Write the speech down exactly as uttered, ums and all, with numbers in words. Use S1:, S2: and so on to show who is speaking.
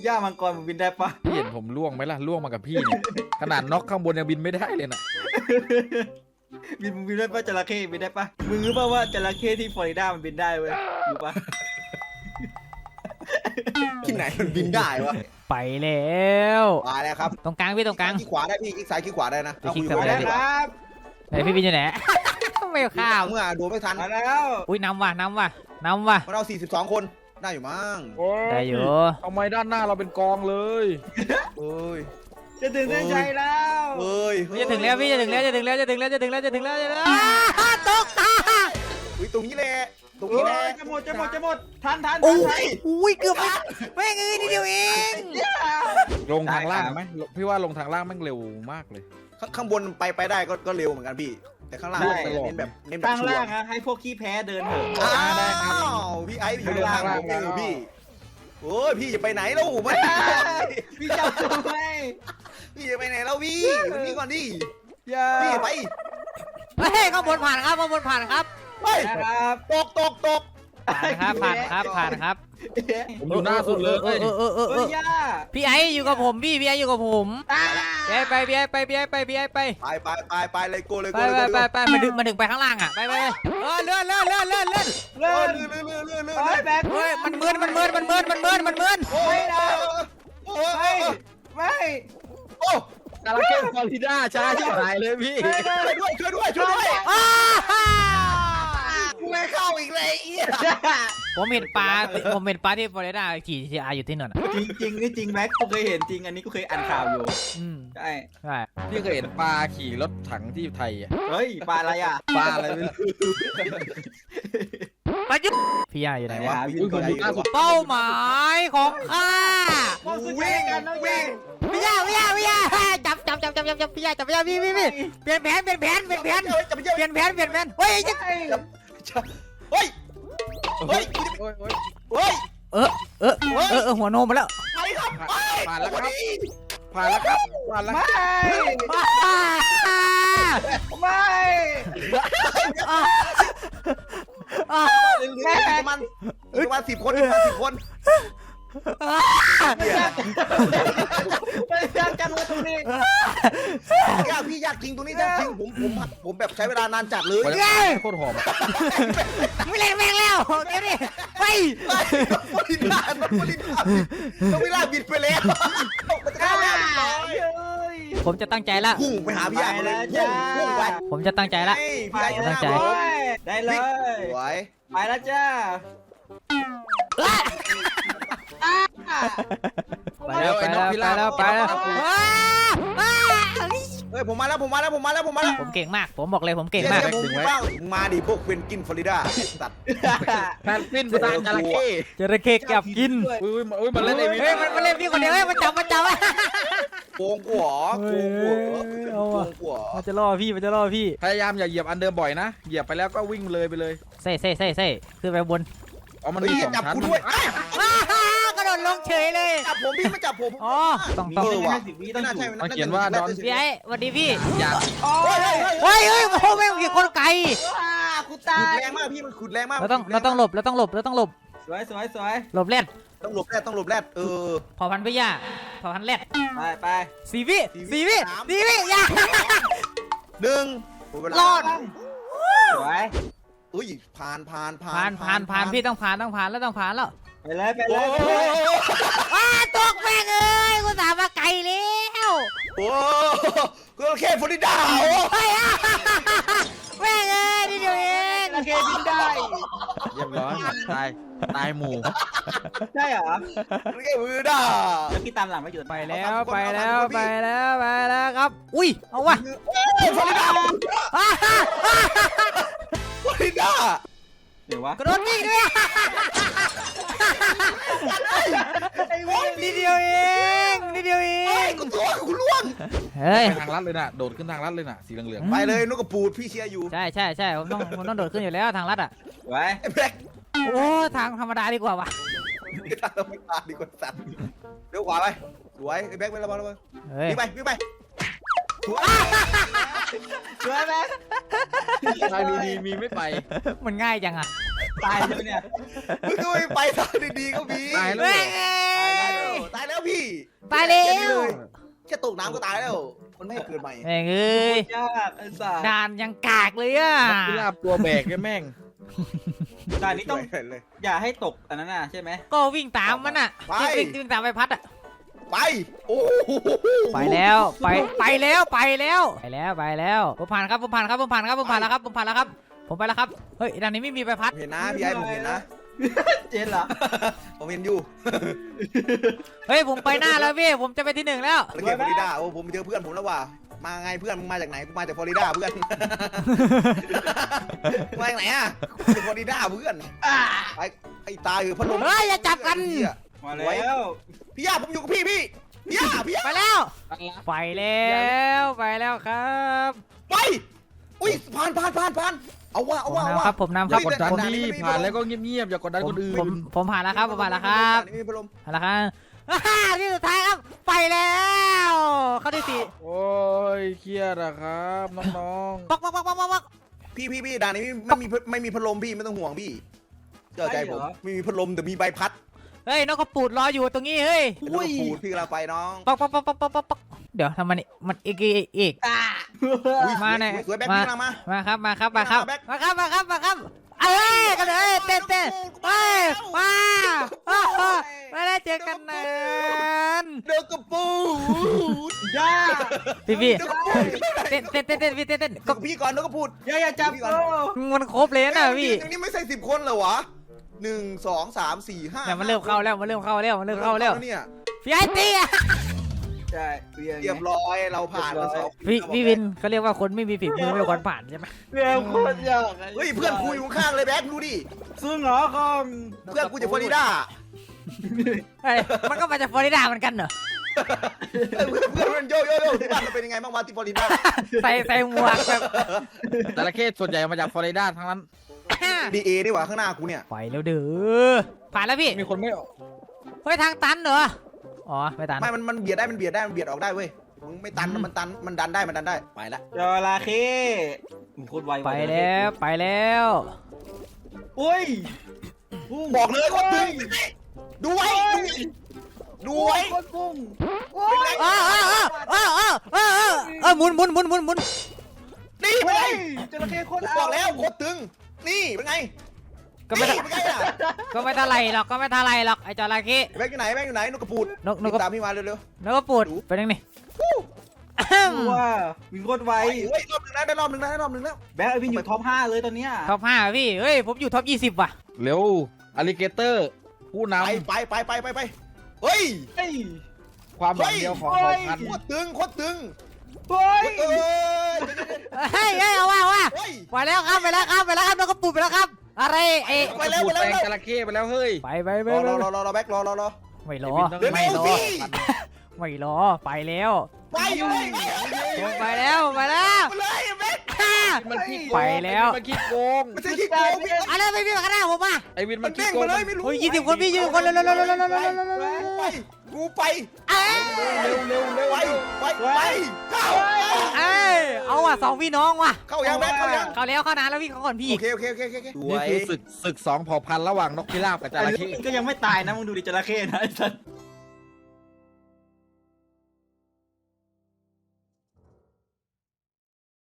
S1: ย่ามังกรมันบินได้ปะ
S2: พี่เห็นผมล่วงไหมล่ะล่วงมากับพี่เนี่ยขนาดน็อกข้างบนยังบินไม่ได้เลยนะ
S1: บินมึงบินได้ปะจระเข้บินได้ปะมึงรู้ป่ะว่าจระเข้ที่ฟลอริดามันบินได้เว้ยรู้ปะ
S3: ที่ไหนมันบินได้วะ
S4: ไปแล้ว
S3: มาแล้วครับ
S4: ตรงกลางพี่ตรงกลาง
S3: ขี้ขวาได้พี่ขี้ซ้ายขี้ขวาได้นะ
S4: ไปคลิก
S3: เอา
S4: ซ้าย
S3: คุย
S1: มา
S3: กัน
S1: แล้ว
S3: ได้
S1: ครับ
S4: ไหนพี่บินอยู่ไหน ไม่ข้าว
S3: เมื่อโดนไม่ทัน
S1: มาแล้ว
S4: อุ้ยนำว่ะนำว่ะนำว่ะ
S3: เราสี่สิบสองคนได้อยู่มั้ง
S4: ได้อยู่
S2: ทำไมด้านหน้าเราเป็นกองเลย
S3: เอ้ย
S1: จะถึงเส้นชัยแล้ว
S3: เอ้ย
S4: จะถึงแล้วพี่จะถึงแล้วจะถึงแล้วจะถึงแล้วจะถึงแล้วจะถึงแล้วจะถึงแล้วตกตา
S3: อุ้ยตรงนี้แหละตรง
S1: โอ้
S3: นี้แหละ
S1: ยจะหมดจะหมดจะหมดทันทัน
S4: โอ้
S1: ทัน
S4: ยอุ้ยเกือบไม่แม่งเอ้ยนิดเดียวเอง
S2: ลงทางล่างไหมพี่ว่าลงทางล่างแม่งเร็วมากเลย
S3: ข้างข้างบนไปไปได้ก็ก็เร็วเหมือนกันพี่ แต่ข้างล่างเน้นแบบเน้นแบบ
S1: ข้าง
S3: ชัว
S1: ล่าง
S3: ร์
S1: นะให้พวกขี้แพ้เดินเถอะ
S3: อ้า
S1: ได้ครับ
S3: วพี่ไอ้อยู่ข้างล่างผมเองพี่โอ้ยพี่จะไปไหนแล้วไม่
S1: พี่เจ้าตัวไหม
S3: พี่จะไปไหนแล้วพี่วันนี้ก่อนดิ
S1: อย่า
S3: พี่ไป
S4: เฮ้ยข้างบนผ่านครับข้างบนผ่านครับ
S3: เฮ้ย
S1: นะครับ
S3: ตกตกตก
S4: ผ่านครับผ่านครับผ่านครับ
S2: ผมอยู่หน้าสุดเลย
S4: เออเออเออเออเอ
S1: เฮ้ย
S4: อย่
S1: า
S4: พี่ไออยู่กับผมพี่พี่ไออยู่กับผมพี่ไอไปพี่ไอไปพี่ไอไปพี่ไอไป
S3: ไปไปไปไปเลยโกเลย
S4: ไป
S3: โกเลย
S4: ไปไปไปมาดึงมาดึงไปข้างล่างอ่ะไปไปเออเลื่อนเลื่อนเลื่อนเลื่อนเลื่อน
S1: เลื่อน
S3: เลื่อนเลื่อนเลื่อนเลื่อน
S1: ไป
S3: เลื่อน
S1: แบก
S4: เฮ้ยมันมืนมันมืนมันมืนมันมืนมันมืน
S3: โอ้ยโอ้
S1: ไม่
S3: ย
S1: ไม่
S3: โอ้
S2: จระเข้ฟลอริดาช้าชิบหายเลยพี่
S3: ช่วยด้วยช่วยด้วยช่วยด้วย
S4: อ้า
S3: กูไม่เข้าอีกเลยอี
S4: ผมเห็นปลาผมเห็นปลาที่ฟลอริดาขี่ทีอาอยู่ที่นั่นอ่ะ
S1: จริงจริงนี่จริงแม็กกูเคยเห็นจริงอันนี้กูเคยอ่านข่าวอยู่
S4: อืม
S1: ใช่
S4: ใช่
S2: พี่เคยเห็นปลาขี่รถถังที่ไทยอะ
S1: เฮ้ยปลาอะไรอ่ะ
S2: ปลาอะไรไม่รู้
S4: ปลาจุ๊บพี่ไออยู่ไหนวะ
S1: วิ่
S2: อุ้ยผมอยู่หน้าสุด
S4: เป้าหมายของข้า
S1: วิ่งกันน้องวิ่ง
S4: พี่ยาพี่ยาพี่ยาจับจับจับจับจับจับพี่ยาจับพี่ยาพี่พี่พี่เปลี่ยนแผนเปลี่ยนแผนเปลี่ยนแผน
S3: จะไปเจอ
S4: เปลี่ยนแผนเปลี่ยนแผนเฮ้ยจะ
S3: เฮ้ยเฮ้ย
S2: โอ้ยโอ้ย
S3: เฮ้ย
S4: เออเออเออเออหัวโนมมาแล้ว
S3: ไปครับไป
S2: ผ่านแล้วครับผ่านแล้วครับผ่านแล้ว
S1: ไม่ ไม่
S3: แม่ประมาณประมาณสิบคนประมาณสิบคน
S1: ไม่ยากกันว่าตรงนี้
S3: ยากพี่ยากจริงตรงนี้ยากจริงผมผมผมแบบใช้เวลานานจัดเลย
S2: ไปแล้วโคตรหอมอะ
S4: ไม่เล่นแม่งแล้วเดี๋ยวนี้ไป
S3: บริลาบริลาต้องเวลาบิดไปแล้วมันจะเข้าแล้ว
S4: ผมจะตั้งใจละ
S3: พุ่งไปหาพี่ไอ้เลยพุ่งพุ่งไป
S4: ผมจะตั้งใจละ
S3: พี่ไอ้
S4: ตั้งใจ
S1: ได้เลย
S3: สวย
S1: ไปแล้วจ้า
S4: ไปแล้วไปแล้วไปแล้วไปแล้ว
S3: เฮ้ยผมมาแล้วผมมาแล้วผมมาแล้วผมมาแล้ว
S4: ผมเก่งมาก ผมบอกเลยผมเก่งมาก
S3: ผมบ้างมาดิพวกเป็นกินฟลอริดาตัด
S2: แพนกวินภาษาจระเข้
S4: จระเข้กับกิน
S2: อุ้ยอุ้ยมาเล่นไอวี
S4: เฮ้ยมันมาเล่นพี่คนเดียวเฮ้ยมันจับมันจับ
S3: โกงกูหรอโกงกูหรอโกงกูหรอ
S4: มันจะล่อพี่มันจะล่อพี่
S2: พยายามอย่าเหยียบอันเดิมบ่อยนะเหยียบไปแล้วก็วิ่งเลยไปเลย
S4: เซ่เซ่เซ่เซ่ขึ้นไปบน
S2: อ๋อมัน
S3: เฮ้ย
S2: มีสอง
S3: จับ
S2: ชั้น
S3: กูด้วย
S4: กระโดดลงเฉยเลย
S3: จับผมพี่ไม่จับผม
S4: อ๋อต้องต้อง
S3: เออว่ะ
S1: สิบวิต้องถูก
S2: มันเขียนว่าดอน
S4: พี่ไอ้สวัสดีพี่
S2: อย่า
S3: เฮ้ย
S4: เฮ้ยเฮ้ยโอ้โหแม่งกี่คนไกล
S1: กู
S3: ขุ
S1: ตา
S3: ด
S1: ย
S3: แรงมากพี่มันขุดแรงมาก
S4: เราต้องเราต้องหลบเราต้องหลบเราต้องหลบ
S1: สวยสวยสวย
S4: หลบเล่น
S3: ต้องหลบแรดต้องหลบแรดเออ
S4: พอพันพี่ย่าพอพันเล่น
S1: ไปไป
S4: สี่วิสี่วิสี่วิย่า
S3: หนึ่ง
S4: รอด
S1: สวย
S3: อุ้ยผ่านผ่านผ่า
S4: ผ่าน นผ่านผ่านพี่ต้องผ่านต้องผ่านแล้วต้องผ่านแล้ว
S1: ไปเลยไปเล
S3: โอ้
S1: ย
S3: โห
S4: อ้าตกแม่งเอ้ยกูสามมาไกลแล้ว
S3: โอ้ก็แค่ฟลอริดาโอ้
S4: เฮ้ยแม่งเอ้ยนี่เดียวเอง
S1: โอเคบินได้
S2: เรียบร้อยตายตายหมู่
S1: ใช่เหรอ
S3: แค่ฟลอริดา
S1: แล้วพี่ตามหลังมาอยู่
S4: ไปแล้วไปแล้วไปแล้วไปแล้วครับอุ้ยเอาวะ
S3: ฟลอริดาฟลอริดา
S1: เดี๋ยววะ
S4: กระโดดยิงด้วยนี่เดียวเองนี่เดียวเอ
S3: เฮ้ย
S4: ง
S3: กูตัวกูล่วง
S4: เฮ้ย
S2: ไปทางลัดเลยน่ะโดดขึ้นทางลัดเลยน่ะสีเหลือง
S3: ไปเลยนกกระปูดพี่เชียร์อยู่
S4: ใช่ใช่ใช่ผมต้องผมต้องโดดขึ้นอยู่แล้วทางลัดอ่ะ
S1: ไว้
S3: ไอ้แบ็ค
S4: โอ้ทางธรรมดาดีกว่าวะ
S3: ทางธรรมดาดีกว่าสัตว์เลี้ยวขวาไปสวยไอ้แบ็คไปแล้วมาแล้วมา
S4: เฮ้ย
S3: วิ่งไปวิ่งไป
S1: สวยไหม
S2: ๆทางดีๆมีไม่ไป
S4: มันง่ายจังอ่ะ
S1: ตายเลยเนี่ย
S3: มึงก็ไม่ไปทางดีๆก็มี
S2: ตายแล้ว
S4: เฮ้ย
S3: ตายแล้ว
S4: ตายแล้ว
S3: แค่ตกน้ำก็ตายแล้วมันไม่ให้เกิดใหม่
S4: แม่งเอ้ย
S1: ยากไอ้สัส
S4: ด่านยังกากเลยอ่ะ
S2: นกพิราบตัวแบกไอ้แม่ง
S1: ด่านนี้ต้อง
S3: เลย
S1: อย่าให้ตกอันนั้นน่ะใช่ไหม
S4: ก็วิ่งตามมันอ่ะ
S3: ไป
S4: วิ่งวิ่งตามใบพัดอ่ะ
S3: ไปโอ้โห
S4: ไปแล้วไปไปแล้วไปแล้วไปแล้วไปแล้วผมผ่านครับผมผ่านครับผมผ่านครับผมผ่านแล้วครับผมผ่านแล้วครับผมไปแล้วครับเฮ้ยด่านนี้ไม่มีใบพัด
S3: เห็นนะพี่ไอ้ผมเห็นนะ
S1: เจนเหรอ
S3: ผมเห็นอยู่
S4: เฮ้ยผมไปหน้าแล้วพี่ผมจะไปที่หนึ่งแล้ว
S3: ตะเกียบฟลอริดาโอ้ผมเจอเพื่อนผมแล้วว่ะมาไงเพื่อนมึงมาจากไหนกูมาจากฟลอริดาเพื่อน มาจากไหนอ่ะจากฟลอริดาเพื่อนไอ้ไอ้ตายคือพัดลม
S4: เฮ้ยอย่าจับกัน
S1: มาแล้ว
S3: พี่ย่าผมอยู่กับพี่พี่พี่ย่าพี่ย่า
S4: ไปแล้วไปแล้วไปแล้วครับ
S3: ไปอุ้ยผ่านผ่านผ่านผ่านเอาว่า
S4: ผ
S3: เอา
S4: ม
S3: ว่าเอา
S4: นำ
S3: ว่า
S4: ครับผมนำค
S2: อย่า
S4: รับ
S2: กดดัน
S3: ผม
S2: พี่ผ่านแล้วก็เงียบๆอย่ากดดัน
S4: ผ
S2: ค
S4: ม
S2: นอื่
S4: ผม
S2: น
S4: ผมผ่านแล้วครับผมผ่านแล้วครับ
S3: นี่มีพัดลม
S4: ผ่านแล้วครับอ่าที่สุดท้ายครับไปแล้วเข้าที่สี่
S2: โอ้ยเครียดอะครับน้อง
S4: ป๊อกป๊อกป๊อกป๊อกป๊อก
S3: พี่พี่พี่ด่านนี้ไม่มีไม่มีพัดลมพี่ไม่ต้องห่วงพี่เชื่อใจผมไม่มีพัดลมแต่มีใบพัด
S4: เฮ้ยนกกระปูดรออยู่ตรงนี้เฮ้ย
S3: เป็นลูกปูดพี่กำลังไปน้อง
S4: ป๊อกป๊อกป๊อกป๊อกป๊อกป๊อกเดี๋ยวทำมันนี่มันอีกอีกอีก
S3: อุ๊ย
S4: มาหน่อย
S3: สวยแบ็ค
S4: มา
S3: พี่กำลังมา
S4: มาครับมาครับมาครับ
S3: แบ็ค
S4: มาครับมาครับมาครับเอ้ยกันเลยเต้นเต้นเอ้ยมาโอ้โหไม่ได้เจอกันนาน
S3: เด็กกระปูด
S1: ย่า
S4: พี่พี่
S3: เด็กกระปูด
S4: เต้นเต้นเต้นเต้นพี่เต้นเต้น
S3: กับพี่ก่อนเด็กกระปูด
S1: ย่าอย่าจับกู
S4: มันครบเลยนะพี่
S3: อย่างนี้ไม่ใส่สิบคนเหรอวะหนึ่งสองสามสี่ห้า
S4: เนี่ยมันเริ่มเข้าแล้วมันเริ่มเข้าแล้วมันเริ่มเข้าแล้ว
S3: เนี่ย
S4: พี่ไอ้เตี้ย
S1: ใช่เรีย
S3: เรียบร้อยเราผ่านมาสอง
S4: พี่พี่วินเขาเรียกว่าคนไม่มีฝีมือไม่ควรผ่านใช่ไหม
S1: เรียโคตรยาก
S3: เฮ้ยเพื่อนกูอยู่ข้างเลยแบ็คดูดิ
S1: ซึ่งเหรอคอง
S3: เพื่อนกูจากฟลอริดา
S4: เฮ้ยมันก็มาจากฟลอริดาเหมือนกันเหรอ
S3: เพื่อนเพื่อนเพื่อนโยโยโยที่บ้านมันเป็นยังไงบ้างวะที่ฟลอริดา
S4: ใส่ใส่หมวกแบบ
S2: ๆจระเข้ส่วนใหญ่มาจากฟลอริดาทั้งนั้น
S3: ดีเอดีกว่าข้างหน้ากูเนี่ย
S4: ไปแล้วเด้อผ่านแล้วพี่
S2: มีคนไม่ออก
S4: เฮ้ยทางตันเหรออ๋อไม่ตัน
S3: ไม่มันมันเบียดได้มันเบียดได้มันเบียดออกได้เว้ยมึงไม่ตันมันตันมันดันได้มันดันได้ไปละ
S1: จระเข้มึงโคตรไว
S4: ไปแล้วไปแล้ว
S1: อุ้ย
S3: บอกเลยว่าตึงดูไว้ดูไว้
S1: โคตรพุ่ง
S4: เออเออเออเออเออเออเออเออหมุนหมุนหมุนหมุนหมุน
S3: นี่เป็น
S1: เฮ้
S3: ไง
S1: ยจระเข้โคตร
S3: บอกแล้วโคตรตึงนี่เป็นไง
S4: ก็ไม่
S3: นี่
S4: เท่า
S3: เป็นไงอ่ะ
S4: ก็ไม่เท่าไหรหรอกก็ไม่เท่าไหรหรอกไอ้จระเข้
S3: แบงค์อยู่ไหนแบงค์อยู่ไหนนกกระปูด
S4: นกนกกระ
S3: ตามพี่มาเร็ว
S4: นกกระปูดเป็นยังไง
S1: ว่าวินโคตร
S3: ๆ
S1: ไว
S3: ไปเฮ้ยรอบหนึ่งแล้วได้รอบหนึ่งแล้วได้รอบหนึ่งแล้ว
S1: แบ็คไอวินอยู่ท็อปห้าเลยตอนเนี้ย
S4: ท็อปห้าพี่เฮ้ยผมอยู่ท็อปยี่สิบว่ะ
S2: เร็วอลิเกเตอร์ผู้น
S3: ไปไปไปไปไปไปเฮ้ย
S1: เฮ้ย
S2: ำความหวังเดียวของเผ่าพันธุ์
S3: โคตรตึงโคตรตึง
S1: เฮ้ย
S3: เอ้ย
S4: เฮ้ยเฮ้ยเอาว่าเอาว่า
S3: เฮ้ย
S4: ไปแล้วครับไปแล้วครับไปแล้วครับนกกระปูดไปแล้วครับอะไรเอ๊ะ
S3: ไปแล้วไปแล้ว
S2: แซงจระเข้ไปแล้วเฮ้ย
S4: ไปไปไป
S3: รอ
S4: ไป
S3: รอรอรอรอแบ็ครอรอรอ
S4: ไม่รอ
S3: เร็ว
S4: ไม่รอ
S3: สิ
S4: ไม่รอไปแล้ว
S3: ไปไปไป
S4: ผมไปแล้วไปแล้ว
S3: ไปเลยแบ็ค
S4: ฮ่า
S2: มันขี้โกง
S4: ไปแล้ว
S2: มันขี้โกง
S3: ไม่ใช่ขี้โกงพี่
S4: อะไรไม่มีข้างหน้าผมอ่ะ
S2: ไอวิน
S3: มั
S2: มัน น
S3: เด้
S2: ขี้
S3: ง
S2: โก
S3: มาง เลยไม่รู้
S4: เฮ้ยยี่สิบคนพี่ยี่สิบคนเร็วเร็วเร็วเร็วเร็วเร็วเร็วเร็วเร็ว
S3: ไปกูไป
S4: เอ้ย
S2: เร็วเร็วเร็ว
S3: ไปไปไปเข้า
S4: เอ้ยเอาว่ะสองพี่น้องว่ะ
S3: เข้ายังแบ็คเข้ายัง
S4: เขาแล้วเขานานแล้วพี่เขาก่อนพี่
S3: โอเคโอเคโอเคโอเค
S2: นี่คือศึกศึกสองเผ่าพันธุ์ระหว่างนกพิราบกับจ
S1: อัน
S2: ระ
S1: นี้
S2: เข้
S1: ก็ยังไม่ตายนะมึงดูดิจระเข้นะไอ้สัส